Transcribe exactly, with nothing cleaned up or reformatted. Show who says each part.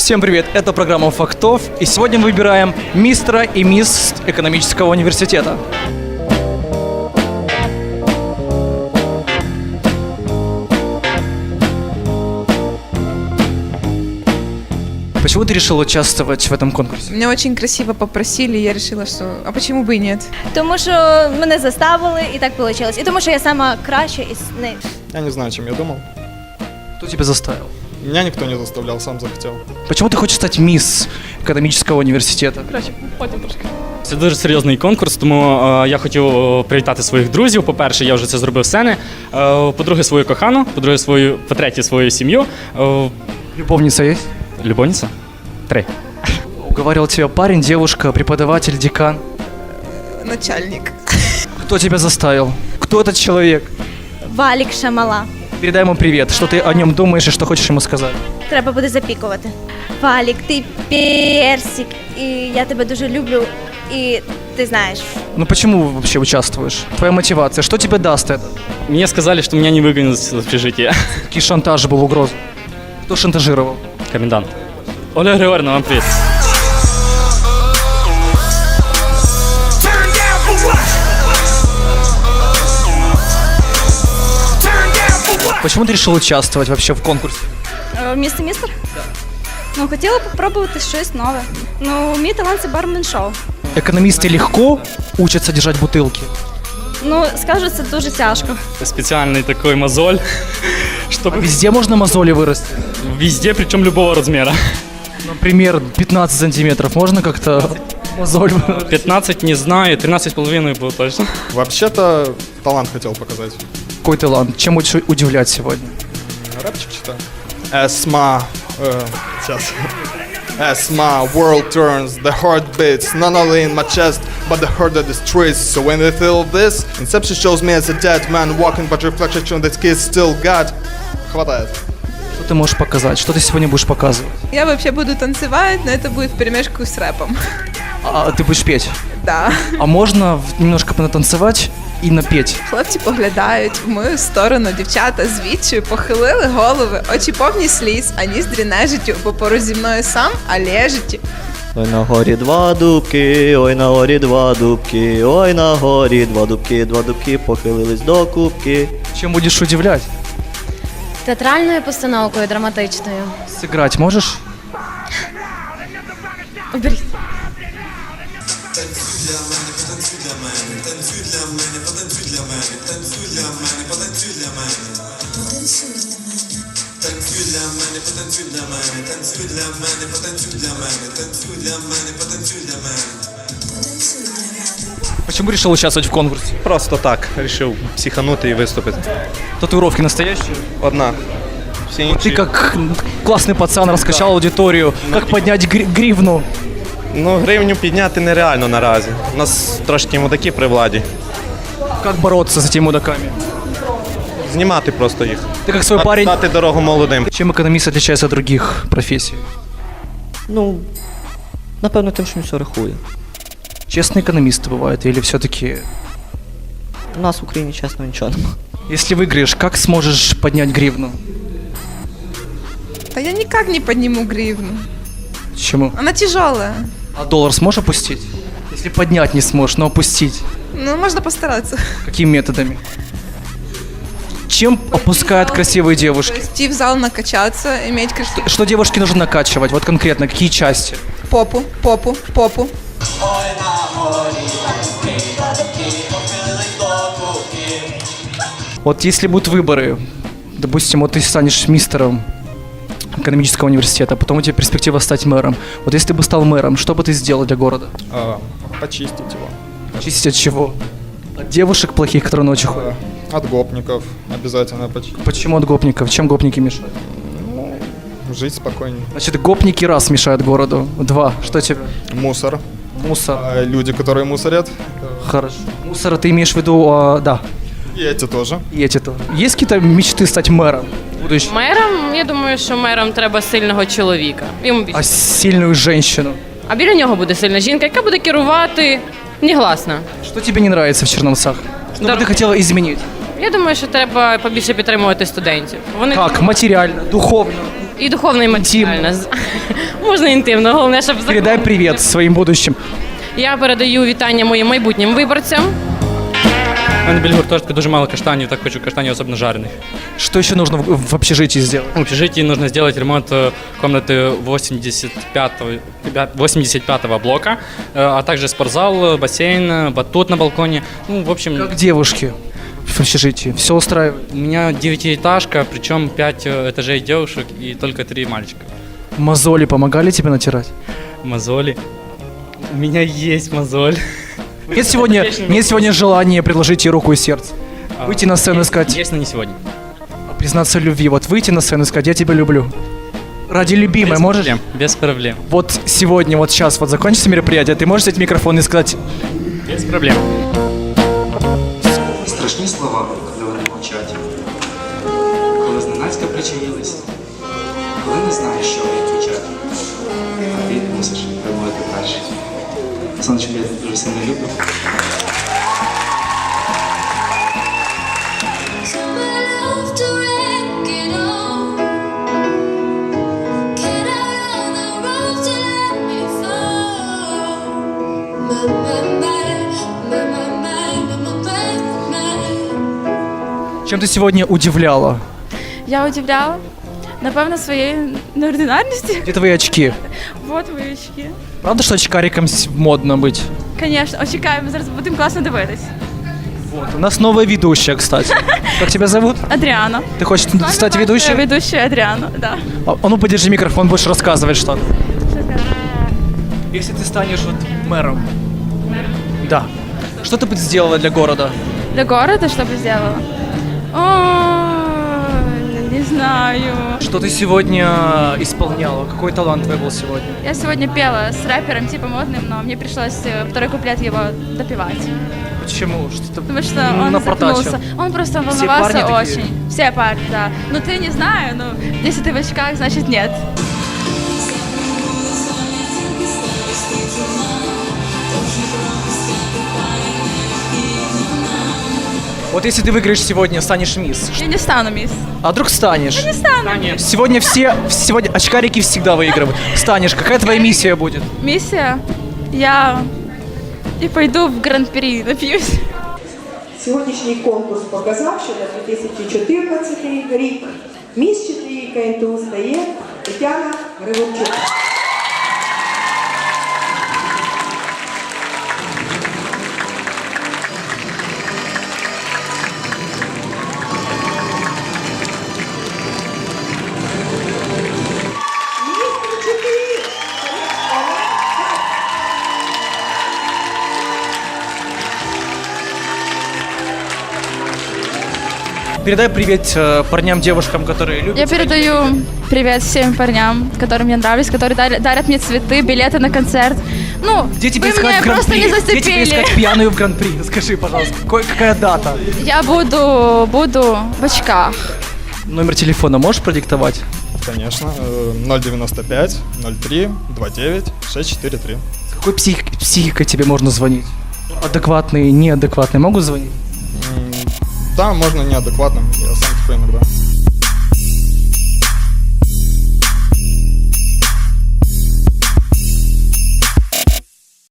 Speaker 1: Всем привет, это программа «Фактов», и сегодня мы выбираем мистера и мисс экономического университета. Почему ты решила участвовать в этом конкурсе?
Speaker 2: Меня очень красиво попросили, и я решила, что а почему бы и нет?
Speaker 3: Тому що мене заставили, і так вийшло. І тому що я сама краща із них.
Speaker 4: Я не знаю, чем я думал.
Speaker 1: Кто тебя заставил?
Speaker 4: Меня никто не заставлял, сам захотел.
Speaker 1: Почему ты хочешь стать мисс экономического университета?
Speaker 5: Це дуже серйозний конкурс, тому е, я хотів е, привітати своїх друзів. По-перше, я вже це зробив сцени. Е, по-друге, свою кохану, по-друге, свою, по-третє, свою сім'ю. Е,
Speaker 1: Любовница есть?
Speaker 5: любовниця? Три.
Speaker 1: Уговаривал тебя парень, девушка, преподаватель, декан?
Speaker 2: Начальник.
Speaker 1: Кто тебя заставил? Кто этот человек?
Speaker 3: Валік Шамала.
Speaker 1: Передай ему привет. Что ты о нем думаешь и что хочешь ему сказать?
Speaker 3: Треба буде запікувати. Валік, ти персик, і я тебе дуже люблю, і ти знаєш.
Speaker 1: Ну почему вообще участвуешь? Твоя мотивация, что тебе даст это?
Speaker 5: Мені сказали, що мене не вигонять з общежития.
Speaker 1: Какой шантаж был, угроза? Кто шантажировал?
Speaker 5: Комендант. Оля Григорівна, вам привіт.
Speaker 1: Почему ты решил участвовать вообще в конкурсе?
Speaker 6: Містер містер? Так. Ну, хотіла б спробувати щось нове. Ну, мій талант – це бармен-шоу.
Speaker 1: Экономисты легко учатся держать бутылки?
Speaker 6: Ну, скажу, це дуже тяжко.
Speaker 5: Спеціальний такий мозоль, щоб
Speaker 1: Везде можно мозоли вырасти?
Speaker 5: везде, причому любого розміру.
Speaker 1: Например, пятнадцать сантиметров. Можно как-то мозоль вырастить?
Speaker 5: п'ятнадцять не знаю, тринадцять з половиною було точно.
Speaker 4: Вообще-то талант хотел показать.
Speaker 1: Какой талант? Чем будешь удивлять сегодня?
Speaker 4: Рэпчик читаю. Esma, э, сейчас. Esma, world turns, the heart beats, not only in my chest, but the heart of the streets. So when they feel this, Inception shows me as a dead man walking, but reflection that kids still got. Хватает.
Speaker 1: Что ты можешь показать? Что ты сегодня будешь показывать?
Speaker 2: Я вообще буду танцевать, но это будет вперемешку с рэпом.
Speaker 1: А ты будешь петь?
Speaker 2: Да.
Speaker 1: А можно в- немножко понатанцевать и напеть?
Speaker 2: Хлопці поглядають в мою сторону, дівчата з відчаю похилили голови, очі повні сліз, а ніздрі нежиттю, бо поруч зі мною сам, а лежиті.
Speaker 7: Ой на горі два дубки, ой на горі два дубки, ой на горі два дубки, два дубки похилились до кубки.
Speaker 1: Чем будешь удивлять?
Speaker 8: Театральною постановкою, драматичною.
Speaker 1: Сыграть можешь?
Speaker 8: Оберіть.
Speaker 1: Почему решил участвовать в конкурсе?
Speaker 9: Просто так, вирішив психанути і виступити.
Speaker 1: Татуировки настоящие?
Speaker 9: Одна. Всі
Speaker 1: Ты
Speaker 9: інші.
Speaker 1: как классный пацан раскачал аудиторию. Как поднять гри- гривну?
Speaker 9: Ну, гривню підняти нереально наразі. У нас трошки мудаки при владі.
Speaker 1: Как бороться с этими мудаками?
Speaker 9: Знімати просто їх.
Speaker 1: Ты как свой парень.
Speaker 9: Дати дорогу молодим.
Speaker 1: Чем экономист отличается от других профессий?
Speaker 7: Ну, напевно, тим, що він все рахує.
Speaker 1: Честные экономисты бывают или все-таки...
Speaker 7: У нас в Україні, чесно, нічого немає.
Speaker 1: Если выиграешь, как сможешь поднять гривну?
Speaker 2: Та я никак не подниму гривну.
Speaker 1: Почему?
Speaker 2: Она тяжелая.
Speaker 1: А доллар сможешь опустить? Если поднять не сможешь, но опустить.
Speaker 2: Ну, можно постараться.
Speaker 1: Какими методами? Чем опускают красивые
Speaker 2: То
Speaker 1: девушки?
Speaker 2: есть идти в зал накачаться, иметь красивую
Speaker 1: Что девушке нужно накачивать? Вот конкретно, какие части?
Speaker 2: попу, попу, попу.
Speaker 1: Вот если будут выборы, допустим, вот ты станешь мистером экономического университета, потом у тебя перспектива стать мэром. Вот если ты бы стал мэром, что бы ты сделал для города?
Speaker 4: А, почистить его.
Speaker 1: Чистить от чего? От девушек плохих, которые ночью ходят?
Speaker 4: А, От гопников обязательно почистить.
Speaker 1: Почему от гопников? Чем гопники мешают?
Speaker 4: Жить спокойнее.
Speaker 1: Значит, гопники раз мешают городу. Два. Что тебе?
Speaker 4: Мусор.
Speaker 1: Мусор.
Speaker 4: А люди, которые мусорят.
Speaker 1: Хорошо. Мусор, ты имеешь в виду, а, да.
Speaker 4: И эти тоже.
Speaker 1: И эти тоже. Есть какие-то мечты стать мэром? Будущим?
Speaker 10: Мером, я думаю, що мером треба сильного чоловіка. Йому більше.
Speaker 1: А сильную женщину?
Speaker 10: А біля нього буде сильна жінка, яка буде керувати негласно.
Speaker 1: Что тебе не нравится в Черновцах? Что бы ты хотела изменить?
Speaker 10: Я думаю, що треба побільше підтримувати студентів. Вони
Speaker 1: Как? Материально, духовно?
Speaker 10: І духовно, і матеріально. Можна інтимно, головне, щоб
Speaker 1: Передай
Speaker 10: закон-
Speaker 1: привет своим будущим.
Speaker 10: Я передаю вітання моїм майбутнім виборцям.
Speaker 5: У мене біля гуртожитку дуже мало каштанів, так хочу каштанів особливо жарених.
Speaker 1: Что еще нужно в, в общежитии сделать?
Speaker 5: В общежитии нужно сделать ремонт э, комнаты восемьдесят пятого, восемьдесят пятого блока, э, а также спортзал, бассейн, э, батут на балконе. Ну, в общем,
Speaker 1: Как девушки в общежитии. Все устраивает.
Speaker 5: у меня девятиэтажка, причем пять э, этажей девушек и только три мальчика.
Speaker 1: Мозоли помогали тебе натирать?
Speaker 5: Мозоли. У меня есть мозоль.
Speaker 1: Нет сегодня, нет сегодня желания предложить ей руку и сердце.
Speaker 5: А,
Speaker 1: Выйти на сцену и
Speaker 5: есть-
Speaker 1: сказать,
Speaker 5: Есть, но не сегодня.
Speaker 1: признаться в любви. Вот выйти на сцену и сказать, я тебя люблю. Ради любимой
Speaker 5: Без
Speaker 1: можешь?
Speaker 5: проблем. Без проблем.
Speaker 1: Вот сегодня, вот сейчас, вот закончится мероприятие, ты можешь взять микрофон и сказать,
Speaker 5: Без проблем.
Speaker 11: Страшні слова, коли вони мовчать, коли зненацька причаїлись, коли не знаєш, що відповідати, а ти мусиш вимовити перший. Сонечко, я дуже сильно люблю.
Speaker 1: чем ты сегодня удивляла?
Speaker 6: Я удивляла, напевно, своєю неординарністю.
Speaker 1: Где твои очки?
Speaker 6: Вот мої очки.
Speaker 1: Правда, что очкариком с- модно быть?
Speaker 6: Звісно, очікаємо, зараз будемо класно дивитись.
Speaker 1: Вот. У нас новая ведущая, кстати. Как тебя зовут?
Speaker 6: Адріана.
Speaker 1: Ты хочешь стать ведущей?
Speaker 6: Ведущая Адріана, да.
Speaker 1: А, а ну подержи микрофон, будешь рассказывать что-то. Если ты станешь вот мэром. Да. Что ты бы сделала для города?
Speaker 6: Для города что бы сделала? Ой, не знаю.
Speaker 1: Что ты сегодня исполняла? Какой талант твой был сегодня?
Speaker 6: Я сегодня пела с рэпером типа модным, но мне пришлось э, второй куплет его допевать.
Speaker 1: Почему? Что-то
Speaker 6: Потому что
Speaker 1: ну,
Speaker 6: он
Speaker 1: напортачил.
Speaker 6: запнулся. Он просто
Speaker 1: Все
Speaker 6: волновался
Speaker 1: парни такие?
Speaker 6: очень. Все парни, да. Ну ты не знаю, ну если ты в очках, значит нет.
Speaker 1: Вот если ты выиграешь сегодня, станешь мисс.
Speaker 6: Я не стану мисс.
Speaker 1: А вдруг станешь?
Speaker 6: Я не стану.
Speaker 1: Сегодня все, сегодня очкарики всегда выигрывают. Станешь, какая твоя миссия будет?
Speaker 6: Миссия. Я и пойду в гран-при напьюсь.
Speaker 12: Сьогоднішній конкурс показав, що на дві тисячі чотирнадцятий рік міс Читрійка ен те у стає Тетяна Григорчук.
Speaker 1: Передай привет э, парням, девушкам, которые любят.
Speaker 6: Я передаю привет всем парням, которые мне нравились, которые дарят, дарят мне цветы, билеты на концерт. Ну,
Speaker 1: Где тебе
Speaker 6: вы
Speaker 1: искать
Speaker 6: меня
Speaker 1: в
Speaker 6: просто
Speaker 1: гран-при?
Speaker 6: не
Speaker 1: Где тебе
Speaker 6: зацепили.
Speaker 1: искать пьяную в гран-при? Скажи, пожалуйста, какой- какая дата?
Speaker 6: Я буду, буду в очках.
Speaker 1: Номер телефона можешь продиктовать?
Speaker 4: Конечно. э, ноль девяносто пять ноль три двадцать девять шесть четыре три.
Speaker 1: С какой псих- психикой тебе можно звонить? Адекватные, неадекватные могут звонить?
Speaker 4: Да, можно неадекватным. Я сам такой иногда.